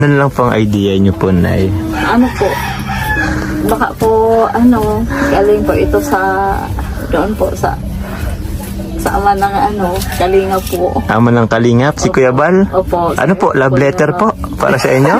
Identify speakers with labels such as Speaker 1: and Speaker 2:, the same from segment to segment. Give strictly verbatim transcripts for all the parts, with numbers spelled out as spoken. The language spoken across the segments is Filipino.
Speaker 1: Ano lang pong idea niyo po, Nay?
Speaker 2: Ano po, baka po, ano, galing po ito sa, doon po sa, sa ama ng ano, kalinga po.
Speaker 1: Ama ng Kalingap, si Kuya Bal?
Speaker 2: Opo.
Speaker 1: Ano po, love letter po para sa inyo?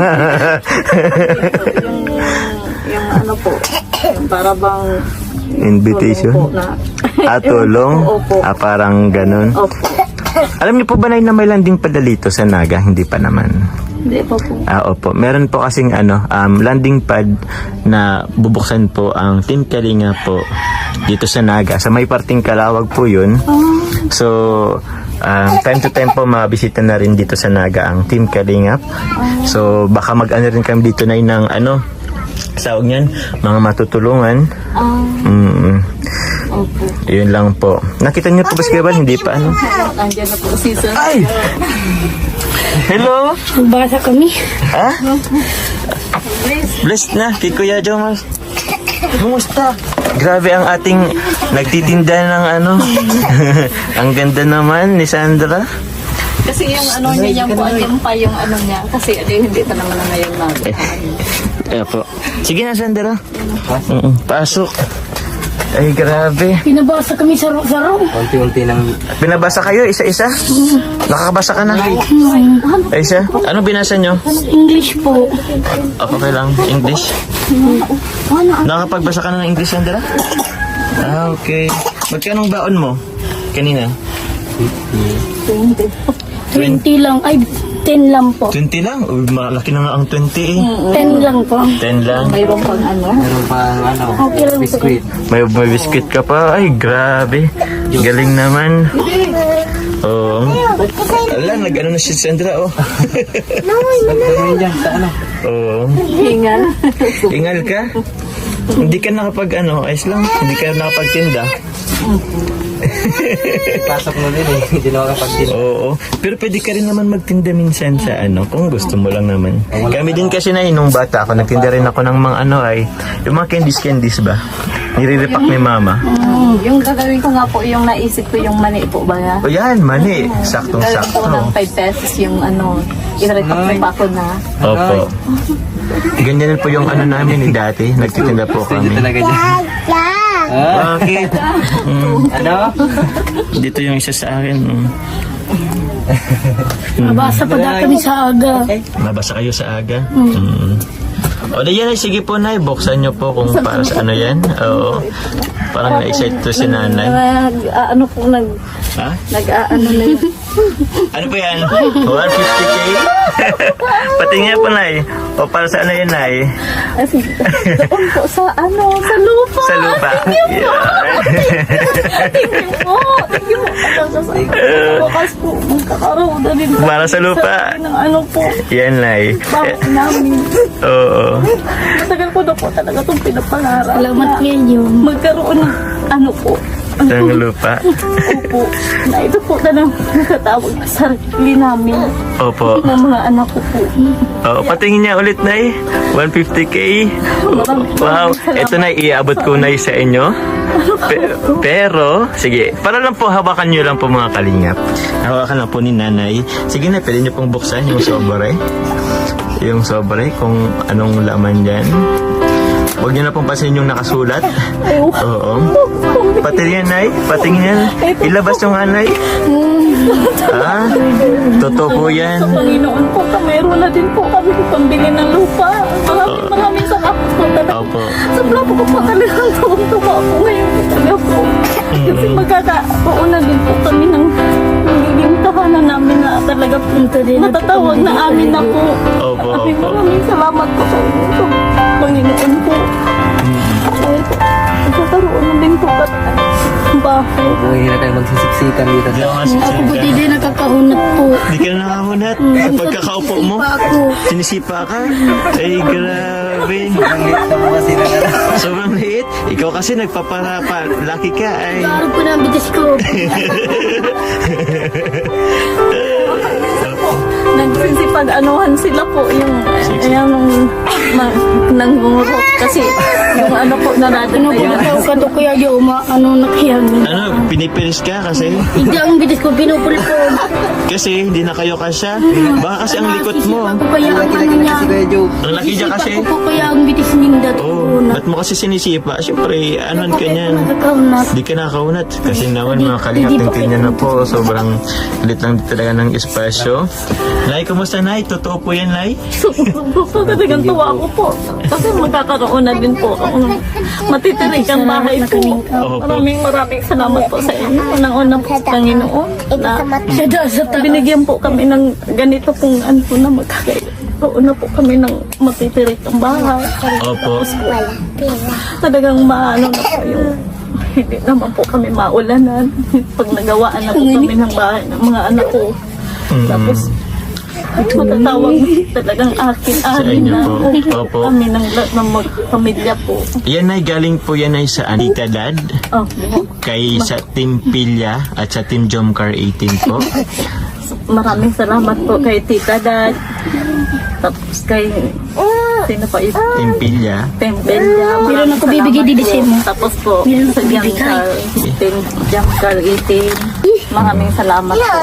Speaker 2: yung, yung ano po, yung para bang
Speaker 1: Invitation?
Speaker 2: tulong po na.
Speaker 1: Ah, tulong?
Speaker 2: Opo.
Speaker 1: Ah, parang ganun.
Speaker 2: Opo.
Speaker 1: Alam niyo po ba, Nay, na may landing padalito sa Naga? Hindi pa naman.
Speaker 2: Hindi po po.
Speaker 1: Ah, opo. Meron po kasing ano, um, landing pad na bubuksan po ang Team Kalinga po dito sa Naga. Sa may parting Kalawag po yun. So, um, time to time po mabisita na rin dito sa Naga ang Team Kalingap. So, baka mag-ano rin kami dito na ng ano, sawag niyan, mga matutulungan.
Speaker 2: Ah,
Speaker 1: Mm,
Speaker 2: opo.
Speaker 1: yun lang po. Nakita niyo po ba si Kuya Bal? Hindi pa ano?
Speaker 2: Nandiyan na po si Sir.
Speaker 1: Ay! Hello!
Speaker 3: Nagbasa kami.
Speaker 1: Ha? Blessed na kay Kuya Jomar. Kumusta? Grabe ang ating nagtitinda ng ano. Ang ganda naman ni Sandra.
Speaker 2: Kasi yung ano niya, yung po, yung pa yung ano niya. Kasi ano, hindi pa naman na ngayon na.
Speaker 1: Ayan po. Sige na, Sandra. Mm-mm. Pasok. Ay, grabe.
Speaker 3: Pinabasa kami sa saro.
Speaker 4: Unti-unti nang
Speaker 1: Binabasa kayo, isa-isa? Nakakabasa ka na? Ay, isa? Ano binasa nyo?
Speaker 3: English po.
Speaker 1: Ako okay lang. English? Nakakapagbasa ka na ng English, Sandra? Ah, okay. Magkano baon mo? Kanina?
Speaker 3: twenty lang. Ay, ten lang po.
Speaker 1: twenty lang? Uy, malaki na nga ang twenty eh.
Speaker 3: ten lang po.
Speaker 1: ten lang.
Speaker 2: Mayroon pang ano.
Speaker 4: meron pang ano,
Speaker 3: Okay lang po.
Speaker 4: biskuit.
Speaker 1: May, may biscuit ka pa. Ay, grabe. Galing naman. Oo. Ala, nag-ano na si Sandra, oh.
Speaker 4: Nagkaroon dyan sa ano.
Speaker 1: Oo.
Speaker 2: Hingal.
Speaker 1: Ingal ka? Hindi ka nakapag, ano, ayos lang. Hindi ka nakapagtinda.
Speaker 4: Pasok mo din eh. Hindi na makapagtin.
Speaker 1: Oo. Pero pwede ka rin naman magtinda minsan sa ano, kung gusto mo lang naman. Kami din kasi na nung bata ako, nagtinda rin ako ng mga ano ay, yung mga candies-candies ba? Nire-repack ni mama.
Speaker 2: Mm, yung gagawin ko nga po, yung naisip ko yung mani po ba nga?
Speaker 1: O yan, mani.
Speaker 2: Gagawin
Speaker 1: Saktong-sakto.
Speaker 2: ko ng five pesos yung ano, i-repack pa ako na.
Speaker 1: Opo. Ganyan po yung ano namin ni dati. Nagtitinda po
Speaker 4: Pwede
Speaker 1: kami.
Speaker 4: talaga dyan. Ah,
Speaker 1: Bakit? Mm,
Speaker 4: ano?
Speaker 1: dito yung isa sa akin. Mm.
Speaker 3: Nabasa pa daw kami sa aga.
Speaker 1: Nabasa kayo sa aga? Mm. O di yan ay, sige po, Nay. Buksan niyo po kung para sa ano yan. Oo. Parang na-excite to si nanay.
Speaker 2: Nag, ah, ano po, nag,
Speaker 1: Ha?
Speaker 2: nag, ah, ano na yun.
Speaker 1: Ano po yan? one fifty K? Pati nga po, Nay. O para sa ano yan, Nay?
Speaker 2: Kasi, doon po sa ano, sa lupa.
Speaker 1: Sa lupa.
Speaker 2: Thank you po. Thank you po. Bukas po, magkakaroon na rin po.
Speaker 1: Para sa lupa.
Speaker 2: Ng ano po,
Speaker 1: Yan, Nay.
Speaker 2: bakit namin.
Speaker 1: Oo.
Speaker 2: Matagal ko na po talaga itong pinapangarap.
Speaker 3: Salamat
Speaker 2: na
Speaker 3: ngayon.
Speaker 2: magkaroon ng ano po.
Speaker 1: Ng lupa.
Speaker 2: Opo. Na ito po na lang nakatawag sa sarili namin.
Speaker 1: Opo.
Speaker 2: Ng mga anak ko po.
Speaker 1: Oo, patingin niya ulit, Nay. one fifty K. Wow. Ito na, iabot ko, Nay, sa inyo. Pe- pero, sige, para lang po, hawakan nyo lang po mga kalingap. Hawakan lang po ni nanay. Sige na, pwede nyo pong buksan yung sobre. Yung sobre, kung anong laman dyan. Huwag nyo na pong pasin yung nakasulat. Oo. Pati yan, Nay. Patingin yan. Ilabas yung anay. Ah, totoo po yan.
Speaker 2: Sa Panginoon po, meron na din po kami pambili ng lupa. Maraming maraming salamat po talaga.
Speaker 1: Opo.
Speaker 2: Sobra po ko po talagang tuwang-tuwa po ngayon po talaga po. Kasi magkakaroon na din po kami ng magiging tahanan namin na talaga po matatawag na amin na po.
Speaker 1: Opo,
Speaker 2: Maraming
Speaker 1: opo.
Speaker 2: maraming salamat po sa inyo po. Panginoon po. Dahil po, magkakaroon na din po kami ng bahay.
Speaker 4: Buhay na tayo magsisiksikan dito.
Speaker 3: Ako po din nakakahunat po.
Speaker 1: Hindi ka na nakahunat. Sa pagkakaupo mo,
Speaker 3: Pa ako.
Speaker 1: sinisipa ka. Ay, grabe.
Speaker 4: Ang liit na mga sila na lang.
Speaker 1: Sobrang liit. Ikaw kasi nagpaparapa. Lucky ka ay.
Speaker 3: Araw ko na ang bigas ko.
Speaker 2: nagsisipag-anuhan sila po yung yung ma- nangungurot kasi yung ano po na natin
Speaker 3: Ano
Speaker 2: na
Speaker 3: ko
Speaker 2: yun.
Speaker 3: daw ka to kuya di uma ano nakiyang.
Speaker 1: Ano, pinipilis ka kasi?
Speaker 3: Hindi ang bilis ko pinupulpul.
Speaker 1: Kasi hindi na kayo kasya. Baka kasi ang likot mo.
Speaker 3: Ako kaya ang ano
Speaker 4: Laki-laki na
Speaker 3: niya.
Speaker 4: kasi Kuya Joe.
Speaker 1: Ang laki niya kasi.
Speaker 3: Ako kaya ang bilis nindat ko
Speaker 1: Oh,
Speaker 3: na.
Speaker 1: ba't mo kasi sinisipa? Siyempre, anuan ka niyan.
Speaker 3: Nagkakaunat.
Speaker 1: Di ka nakaunat. Kasi naman mga kalingap, tingnan na po. Sobrang lit lang talaga ng espasyo. Lai, kumusta Nay? Totoo po yan, Lai?
Speaker 2: So, talagang tuwa ako po. Kasi magkakaroon na din po ako ng matitirik ang bahay po.
Speaker 1: Opo.
Speaker 2: Maraming maraming salamat po sa inyo. Unang-una po sa Panginoon na
Speaker 3: Siya daw sa taas.
Speaker 2: binigyan po kami ng ganito pong ano po na magkakaroon na po kami ng matitirik ang bahay.
Speaker 1: Opo.
Speaker 2: Talagang maano na po yung hindi naman po kami maulanan pag nagawaan na po kami ng bahay ng mga anak ko. Tapos matatawag talagang akin
Speaker 1: Sa
Speaker 2: anin
Speaker 1: inyo
Speaker 2: na
Speaker 1: po. Opo.
Speaker 2: kami ng, ng magpamilya po.
Speaker 1: Yan ay galing po yan ay sa Anita Dad.
Speaker 2: Oh,
Speaker 1: Kay sa Team Pilya at sa Team Jomcar eighteen po.
Speaker 2: maraming salamat po kay Tita Dad. Tapos kay sino pa ito?
Speaker 1: Team Pilya.
Speaker 2: Tembelya.
Speaker 3: Meron ako bibigay di December.
Speaker 2: Tapos po,
Speaker 3: Meron ako
Speaker 2: sa Jamkar, Team Jamkar eighteen. Maraming salamat po.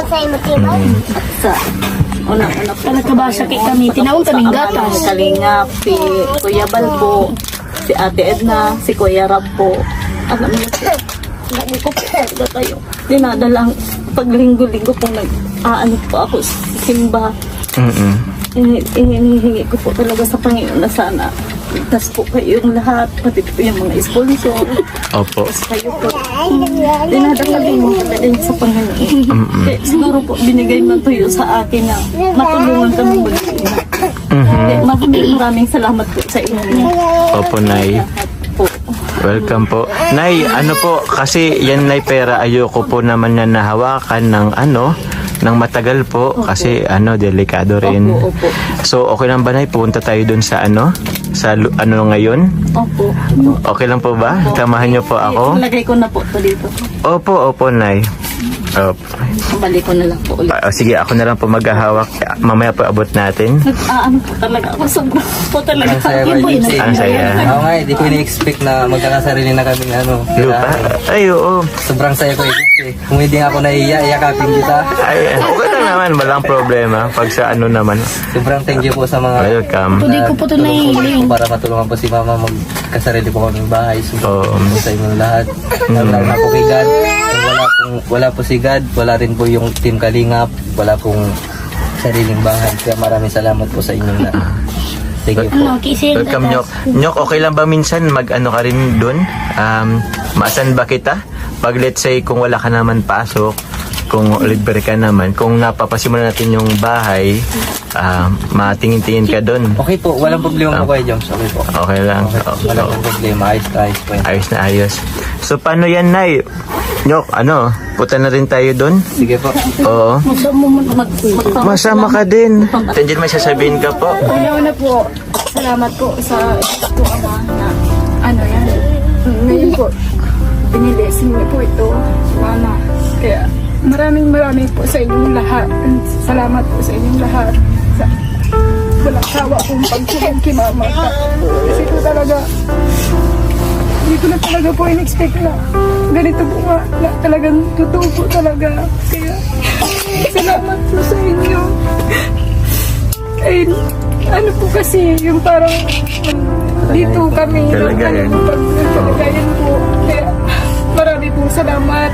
Speaker 2: At sa unang-una po.
Speaker 3: Nagkabasa kay kami. Tinawag kaming gatas.
Speaker 2: Kalinga, si Kuya Balbo, si Ate Edna, si Kuya Rab po. Alam niyo po, lagi ko po talaga kayo. Dinadalang paglinggo-linggo po nag-aano po ako sa simba.
Speaker 1: Mm-mm.
Speaker 2: Ini- Hinihingi ko po talaga sa Panginoon na sana ligtas po kayong lahat, pati po yung mga sponsor.
Speaker 1: Opo.
Speaker 2: Kayo po. Dinadalagin mo talaga din sa Panginoon. Kaya siguro po binigay mo tuyo sa akin na matulungan kami mag-ina. Kaya maraming maraming salamat po sa inyo.
Speaker 1: Opo, Nay.
Speaker 2: Lahat po.
Speaker 1: Welcome po. Nay, ano po, kasi yan Nay pera, ayoko po naman na nahawakan ng ano, ng matagal po, kasi ano, delikado rin.
Speaker 2: Opo, opo.
Speaker 1: So, okay lang ba Nay, pupunta tayo dun sa ano, sa lu- ano ngayon?
Speaker 2: Opo.
Speaker 1: Okay lang po ba? Samahan niyo po ako?
Speaker 2: Lagay ko na po ito dito.
Speaker 1: Opo, opo, Nay. Opo.
Speaker 2: Balik ko na lang po ulit.
Speaker 1: Ah, sige, ako na lang po maghahawak. Mamaya po abot natin.
Speaker 2: Nag-aano po talaga ako. Sobrang po talaga.
Speaker 4: Ang saya
Speaker 2: Yun po
Speaker 4: Kuya
Speaker 2: yun.
Speaker 4: Joe.
Speaker 1: Ang saya.
Speaker 4: Oo nga, hindi ko ini-expect na magkakasarili na kaming ano.
Speaker 1: Lupa? Ay, oo.
Speaker 4: Sobrang saya ko eh. Kung hindi nga ako nahiya, iyakapin kita.
Speaker 1: Ay, okay lang naman. Walang problema. Pag sa ano naman.
Speaker 4: Sobrang thank you po sa mga
Speaker 1: Welcome.
Speaker 3: Hindi ko po ito naihiling.
Speaker 4: para matulungan po si Mama magkasarili po kaming bahay. Sobrang
Speaker 1: Oo.
Speaker 4: po sa inyong lahat. Lalo na po kay God. Kung wala, pong, wala po si God, wala rin po yung Team Kalingap, wala pong sariling bahay. Kaya maraming salamat po sa inyong lahat. Thank you po.
Speaker 3: Ano, kisin.
Speaker 1: Welcome, Nyok. Nyok, okay lang ba minsan mag-ano ka rin dun? Um, maasan ba kita? Pag let's say, kung wala ka naman pasok, kung libre ka naman, kung napapasimulan natin yung bahay, ah, matingin-tingin ka dun.
Speaker 4: Okay po, walang problema po kayo, Joms. Okay po.
Speaker 1: Okay lang.
Speaker 4: Okay po. Wala pong problema. Ayos na ayos po yan.
Speaker 1: Ayos na ayos. So, paano yan, Nay? Nyok, ano? Punta na rin tayo dun?
Speaker 4: Sige po.
Speaker 1: Oo.
Speaker 3: Masa mo man
Speaker 2: Mag, mag,
Speaker 1: Masama ka din. Tandiyan may sasabihin ka po.
Speaker 2: Una-una po, salamat po sa ito ama na ano yan. Ngayon po, binilisin niyo po ito, mama. Kaya maraming maraming po sa inyong lahat. Salamat po sa inyong lahat. Sa walang sawa pong pagtulong kay mama. Kasi po talaga, hindi ko na talaga po in-expect na ganito po nga, na talagang totoo po talaga. Kaya salamat po sa inyo. Ay, ano po kasi, yung parang um, dito kami,
Speaker 1: Kalagayan.
Speaker 2: ano, pag kalagayan po. Kaya marami pong salamat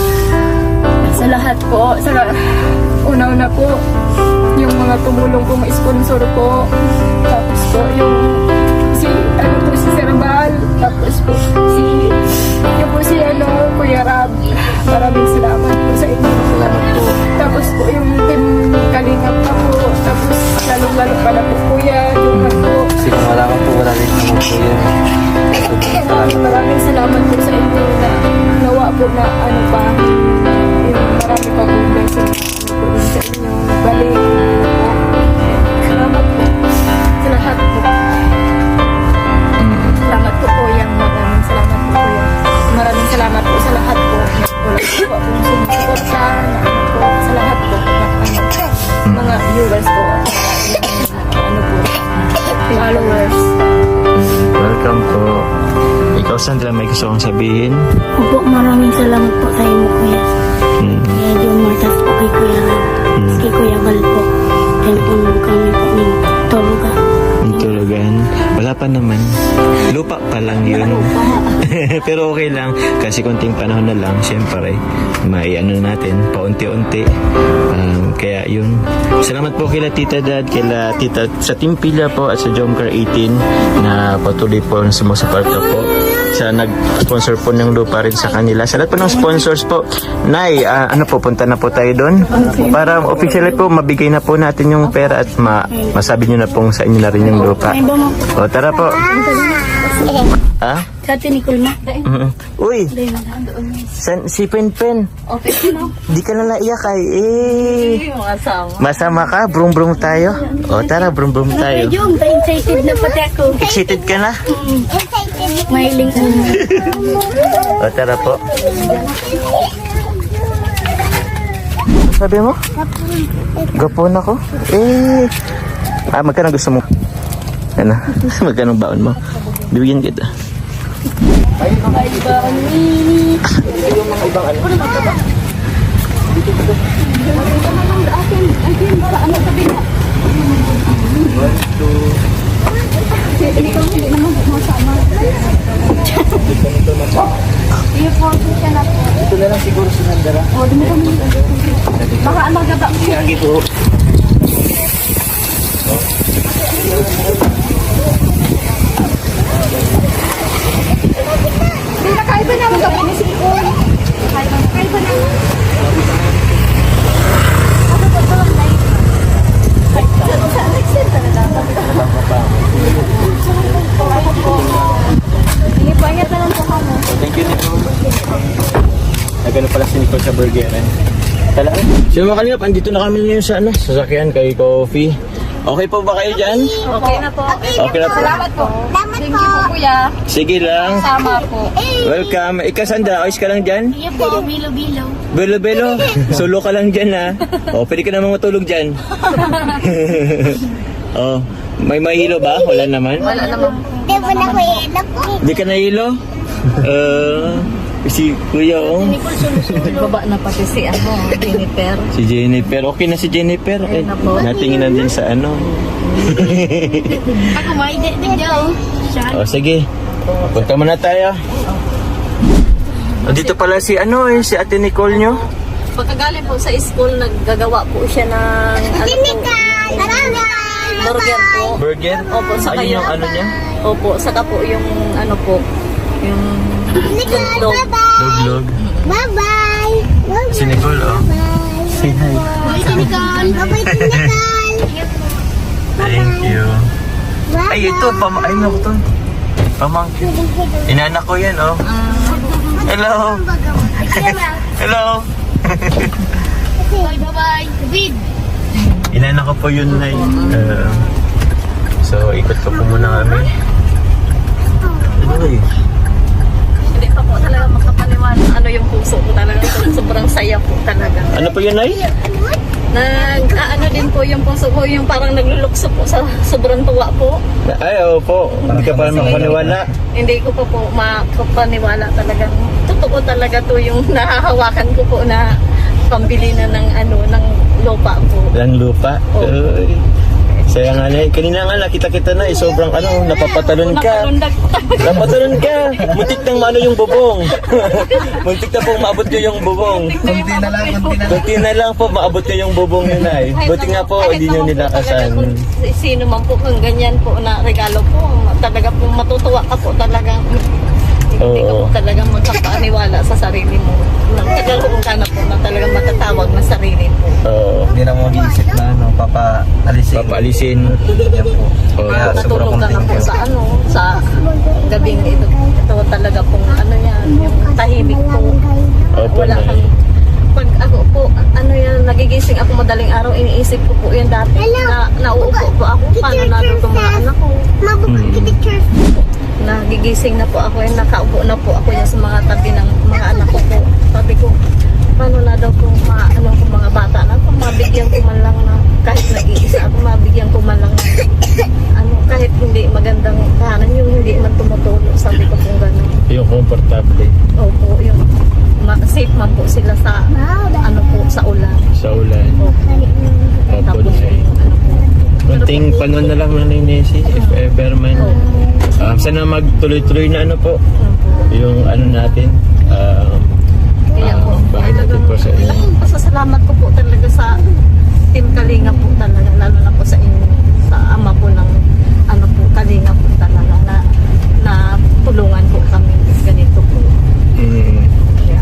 Speaker 2: sa lahat po. Sa una-una po, yung mga tumulong pong sponsor po. Tapos po, yung si, ano po, si Sir Bal. Tapos po, si, yung po si, ano, Kuya Rab. Maraming salamat po sa inyo. Salamat po. Tapos po, yung team Kalingap pa po. Tapos, lalong-lalo pala po, Kuya, yung po.
Speaker 4: Kasi kung wala ka po, wala rin naman po yun.
Speaker 2: Maraming maraming salamat po sa inyo na nawa po na ano pa, yung marami pa po blessing po rin sa inyo. Balik po. Salamat po sa lahat po. Salamat po po yan. Maraming salamat po po yan. Maraming salamat po sa lahat po. Wala po po akong sumusuporta na ano po sa lahat po. Na, ano, mga viewers
Speaker 3: followers.
Speaker 1: Welcome po. Ikaw, Sandra, may gusto kong sabihin?
Speaker 3: Opo, maraming salamat po sa inyo, kuya.
Speaker 1: Mm.
Speaker 3: Kaya John Martas po kay Kuya Ral.
Speaker 1: Mm.
Speaker 3: Kay Kuya Val po. Kaya po nung kami po ng tulugan.
Speaker 1: Ang tulugan. Wala pa naman. Lupa pa lang yun. Pero okay lang. Kasi konting panahon na lang. Siyempre, maiano natin. Paunti-unti. Um, kaya yun. Salamat po kila Tita Dad, kila Tita sa Team Pila po at sa Jomcar eighteen na patuloy po na sumusuporta po. Sa nag-sponsor po ng lupa rin sa kanila. Sa lahat po ng sponsors po. Nay, ah, ano po, punta na po tayo doon. Para officially po, mabigay na po natin yung pera at ma masabi nyo na pong sa inyo na rin yung lupa.
Speaker 3: Ay, ba mo?
Speaker 1: O, tara po. Ha?
Speaker 3: Sa atin ni Kulma.
Speaker 1: Mm-mm. Uy, san, si Pen Pen.
Speaker 2: Okay na.
Speaker 1: Di ka na naiyak ay. Eh.
Speaker 2: Yung asawa.
Speaker 1: Masama ka? Brum brum tayo. O, tara, brum brum
Speaker 3: Ay,
Speaker 1: tayo.
Speaker 3: Jom, excited na pati ako.
Speaker 1: Excited ka na?
Speaker 3: Mahiling ko.
Speaker 1: O, tara po. Sabi mo? Gapon ako? Eh. Ah, magkano gusto mo? Ano? Magkano baon mo? Bibigyan kita. Ito na lang siguro si Nandara.
Speaker 2: Baka magaba.
Speaker 1: Lagi po.
Speaker 2: Hindi na kaiba na magaba ni Sikon. Kaiba na. Kaiba na. Ipangit na lang po kamo.
Speaker 1: Thank you, Nicole. Nagano pala si Nicole sa burger, eh. Tala. So mga kalingap, andito na kami ngayon sa ano, sasakyan kay Coffee. Okay po ba kayo dyan?
Speaker 2: Okay na po.
Speaker 1: Okay na po.
Speaker 2: Salamat po. Thank you po, kuya.
Speaker 1: Sige lang.
Speaker 2: Sama po.
Speaker 1: Welcome. Ikaw, Sandra, ayos ka lang dyan?
Speaker 3: Iya po, bilo-bilo.
Speaker 1: Belo-belo. Solo ka lang dyan, ha? O, pwede ka namang matulog dyan. Oh, may mahilo ba? Wala naman?
Speaker 2: Wala naman.
Speaker 1: Di ka nahilo? Uh, si Kuya, oh.
Speaker 2: Baba na pati si ano, Jennifer.
Speaker 1: Si Jennifer. Okay na si Jennifer. Eh, natingin na din sa ano.
Speaker 3: Ako may video.
Speaker 1: O, sige. Punta muna tayo. O, dito pala si ano eh, si Ate Nicole nyo.
Speaker 2: Pagkagaling po sa school, naggagawa po siya ng ano po, burger po.
Speaker 1: Burger?
Speaker 2: Opo, saka
Speaker 1: Ayun yung
Speaker 2: yung-
Speaker 1: ano niya?
Speaker 2: Opo, saka po yung ano po, yung dog.
Speaker 1: Log-log.
Speaker 3: Bye-bye.
Speaker 1: Si Nicole, oh. Say hi.
Speaker 3: Bye, Tinikan. Bye-bye, Tinikan.
Speaker 1: Thank you. Ay, ito. Pam ay, naku to. Pamangkin. Inanak ko yan, oh. Hello. Hello.
Speaker 3: Bye-bye. David.
Speaker 1: Inanak ko po yun, Nay. Uh, so, ikot ko po muna kami. Uy.
Speaker 2: Hindi pa po talaga makapaniwala. Ano yung puso ko talaga. Sobrang saya po talaga.
Speaker 1: Ano po yun, Nay?
Speaker 2: Nag, ah, ano din po yung puso ko, yung parang naglulukso po sa sobrang tuwa po.
Speaker 1: Ay, oo po. Hindi ka pa makapaniwala.
Speaker 2: Hindi ko pa po makapaniwala talagang. Totoo talaga to yung nahahawakan ko po na pambili na ng ano, ng lupa po.
Speaker 1: Lang lupa.
Speaker 2: Oo.
Speaker 1: Uy. Saya nga na. Kanina nga nakita-kita na eh. Sobrang ano, napapatalon ka.
Speaker 2: Nakalundag po talaga.
Speaker 1: Napatalon ka. Muntik nang maano yung bubong. Muntik na po maabot nyo yung bubong.
Speaker 4: Kunti na lang, kunti na lang.
Speaker 1: Kunti na lang po maabot nyo yung bubong nyo na eh. Buti nga po,
Speaker 2: Kahit
Speaker 1: hindi nyo
Speaker 2: naman po
Speaker 1: nilakasan.
Speaker 2: talaga kung Sino man po kung ganyan po na regalo po, talaga po matutuwa ka po talaga. Hindi ka
Speaker 1: Oo.
Speaker 2: po talaga magkapaniwala sa sarili mo. Nagkakaroon ka na po na talagang matatawag na sarili mo.
Speaker 1: Oo.
Speaker 4: Hindi na mo mag-iisip na ano, papaalisin.
Speaker 1: Papaalisin.
Speaker 4: Yan po.
Speaker 1: Oo.
Speaker 4: Kaya sobrang
Speaker 2: Matutulog ka na po
Speaker 4: content
Speaker 2: sa ano, sa gabing ito. Ito talaga pong ano yan, yung tahimik po.
Speaker 1: Opo,
Speaker 2: Wala
Speaker 1: Nay.
Speaker 2: kang pag ako po, ano yan, nagigising ako madaling araw, iniisip ko po yan dati. Na, nauupo po ako, paano na doon itong mga anak ko. Nagigising na po ako, yan, nakaupo na po ako yan sa mga tabi ng mga anak ko po. Sabi ko, paano na daw kung mga, ano, kung mga bata na, kung mabigyan ko man lang na, kahit nag-iisa ako, mabigyan ko man lang na, ano, kahit hindi
Speaker 1: ating panon na lang Nanay Nessie, if ever man. Um, sana magtuloy-tuloy na ano po, yung ano natin, um, um, bahay natin po sa inyo.
Speaker 5: Pasasalamat ko po talaga sa Team Kalinga po talaga, lalo na po sa inyo, sa ama po ng ano po, Kalinga po talaga na, na tulungan po kami ganito po.
Speaker 1: Mm.
Speaker 5: Kaya,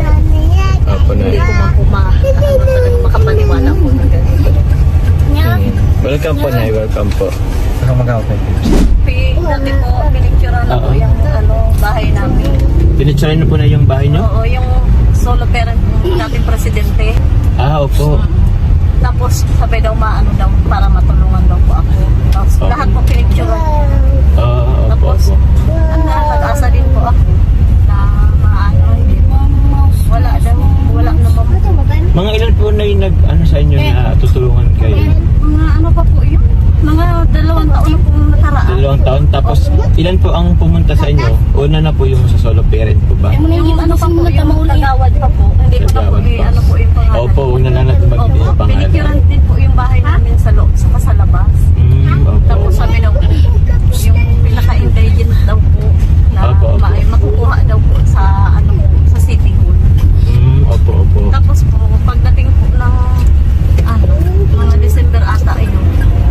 Speaker 1: Opo na.
Speaker 5: hindi ko man po ma, ano, talaga makapaniwala po na ganito.
Speaker 1: Mm. Welcome po Nay, welcome po.
Speaker 4: Saka mag-out.
Speaker 5: Pi, dati po, pinicturean na po
Speaker 1: Oo.
Speaker 5: yung ano, bahay namin.
Speaker 1: Pinitsuray na po na yung bahay niyo?
Speaker 5: Oo, yung solo parent ng dating presidente.
Speaker 1: Ah, opo.
Speaker 5: Tapos sabi daw maano daw para matulungan daw po ako. Tapos
Speaker 1: Okay.
Speaker 5: lahat po pinicturean.
Speaker 1: Ah, opo,
Speaker 5: Tapos,
Speaker 1: opo.
Speaker 5: ang nag-asa din po ako na maano, hindi mo, wala daw, wala naman.
Speaker 1: Mga ilan po na yung nag, ano sa inyo na tutulungan kayo?
Speaker 5: Mga ano pa po yun, mga dalawang taon na pong nakaraan.
Speaker 1: Dalawang taon. Tapos, ilan po ang pumunta sa inyo? Una na po yung sa solo parent po ba?
Speaker 5: Yung ano pa po, yung kagawad pa po, hindi ko na po,
Speaker 1: Kagawad pa.
Speaker 5: i- ano po yung pangalan.
Speaker 1: Opo, huwag na lang natin
Speaker 5: Opo,
Speaker 1: mag-ibig ang pangalan.
Speaker 5: pinicturean din po yung bahay namin sa loob, saka sa labas.
Speaker 1: Mm, opo.
Speaker 5: Tapos sabi daw po, yung pinaka-intelligent daw po na
Speaker 1: Opo, opo.
Speaker 5: ma- makukuha daw po sa ano po, sa City Hall.
Speaker 1: Mm, opo, opo.
Speaker 5: Tapos po, pagdating po ng ano, mga December ata yun,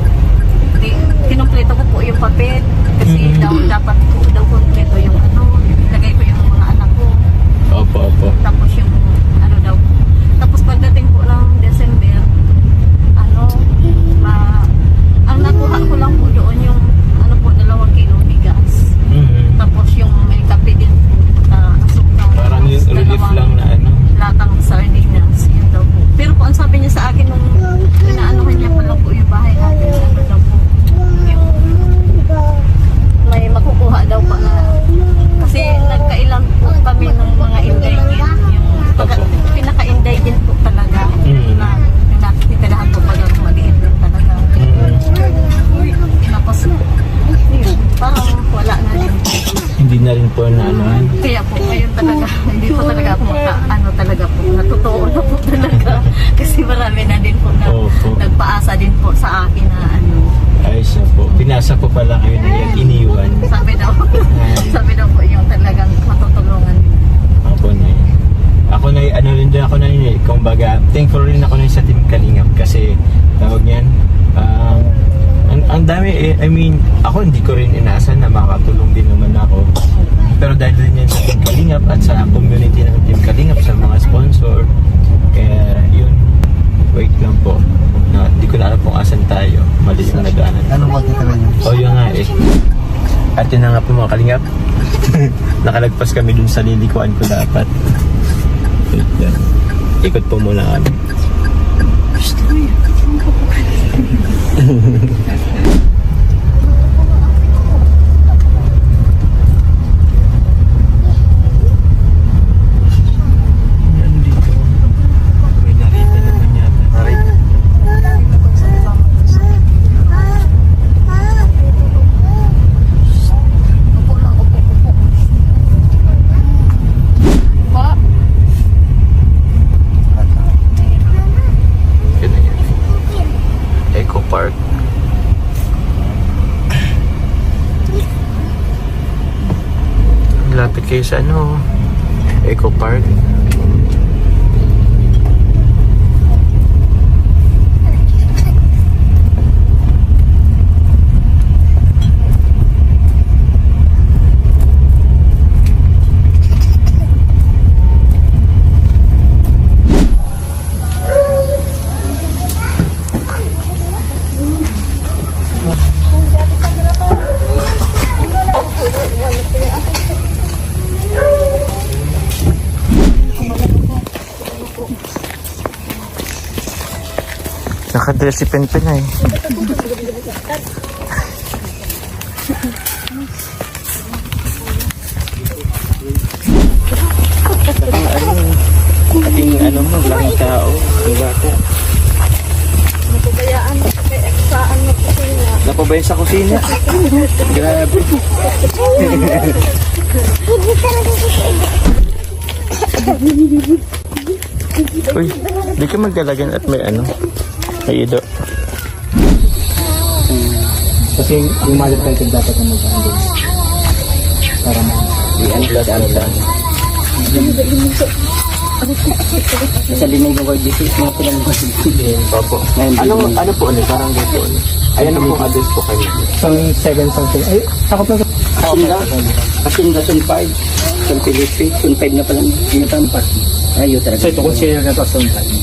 Speaker 5: di, kinumpleto ko po yung papel kasi
Speaker 1: Mhm.
Speaker 5: daw dapat po daw kumpleto yung ano, ilagay ko yung mga anak ko.
Speaker 1: Opo, opo.
Speaker 5: Tapos yung ano daw. Tapos pagdating po ng December, ano, ma, ang nakuha ko lang po doon yung ano po, dalawang kilo bigas.
Speaker 1: Mm.
Speaker 5: Tapos yung may kape din po, na asukal.
Speaker 1: Parang yung
Speaker 5: Tapos
Speaker 1: relief
Speaker 5: dalawang
Speaker 1: lang na ano.
Speaker 5: latang sardinas, yun daw po. Pero po ang sabi niya sa akin nung inaanuhan niya pala po yung bahay natin, ano daw po, yung may makukuha daw po na kasi nagkailan po kami ng mga indigent, yung pagka,
Speaker 1: Opo.
Speaker 5: pinaka-indigent po talaga,
Speaker 1: Mm.
Speaker 5: na yung natitirahan po pag maliit lang talaga.
Speaker 1: Mm.
Speaker 5: Tapos, yun, parang wala na din.
Speaker 1: Hindi na rin po na ano.
Speaker 5: Kaya po, ngayon talaga, hindi po talaga ako maka, ano talaga po, natutoo na po talaga. Kasi marami na din po na
Speaker 1: Opo.
Speaker 5: nagpaasa din po sa akin na ano,
Speaker 1: Ayos na po. Pinasa po pala kayo na yan. Iniwan.
Speaker 5: sabi daw, sabi daw po yung talagang matutulungan.
Speaker 1: Ako na yun. Ako na ano rin din ako na yun eh. Kumbaga, thankful rin ako na yun sa Team Kalingap kasi tawag niyan. Um, ang, ang dami eh, I mean, ako hindi ko rin inaasahan na makatulong din naman ako. Pero dahil din yan sa Team Kalingap at sa community ng Team Kalingap, sa mga sponsor, kaya yun, wait lang po. Na, hindi ko na alam kung asan tayo. Mali yung nagaanan.
Speaker 4: Ano mo kita rin?
Speaker 1: O yun nga eh. At yun na nga po mga kalingap. Nakalagpas kami dun sa lilikuan ko dapat. Wait lang. Ikot po muna kami. May narita naman yata.
Speaker 5: Upo lang, upo, upo. Po,
Speaker 1: Yun na yan. Eco Park. Lapit kayo sa ano, Eco Park. Nakadress si Penpen eh. Ating ano mo, laking tao. Ang bata.
Speaker 5: napabayaan kay saan na po sila.
Speaker 1: Napabay sa kusina. Grabe. Uy, di ka magdalagan at may ano, may ido.
Speaker 6: Kasi yung mother title dapat na mag-handle. Para ma...
Speaker 4: I-unplug, unplug. Sa linig ng word visit, mga pilang word visit.
Speaker 1: Opo. Ano, ano po ano? Parang dito ano? Ayan ang po address po kayo.
Speaker 6: Zone seven something. Ay, sakop na sa...
Speaker 4: Kasinda, Kasinda, Zone five. Zone Philippine, Zone five na pala. Yung tampat. Ayaw talaga.
Speaker 6: So ito, consider na to zone five.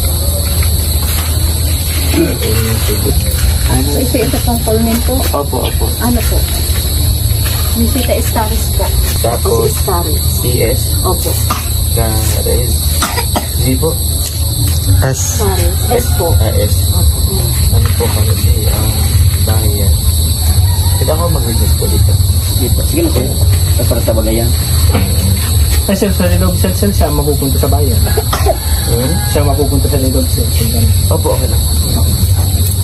Speaker 2: So, ito, ito pong Coleman po.
Speaker 1: Opo, opo.
Speaker 2: Ano po? Visita Estaris po.
Speaker 1: Tapos,
Speaker 2: Estaris.
Speaker 1: C S.
Speaker 2: Opo.
Speaker 1: Cares. Z po. S.
Speaker 2: Estaris. S po.
Speaker 1: Ah, S. Ano po kami? Di, ah, bayan. Pwede ako mag-witness po dito.
Speaker 4: Sige po. Sige na po. Para sa bagayan.
Speaker 6: Ay, sir, sa Lilog Cell, sir, siya mapupunta sa bayan.
Speaker 1: Hmm?
Speaker 6: Siya mapupunta sa Lilog Cell.
Speaker 1: Opo, okay lang.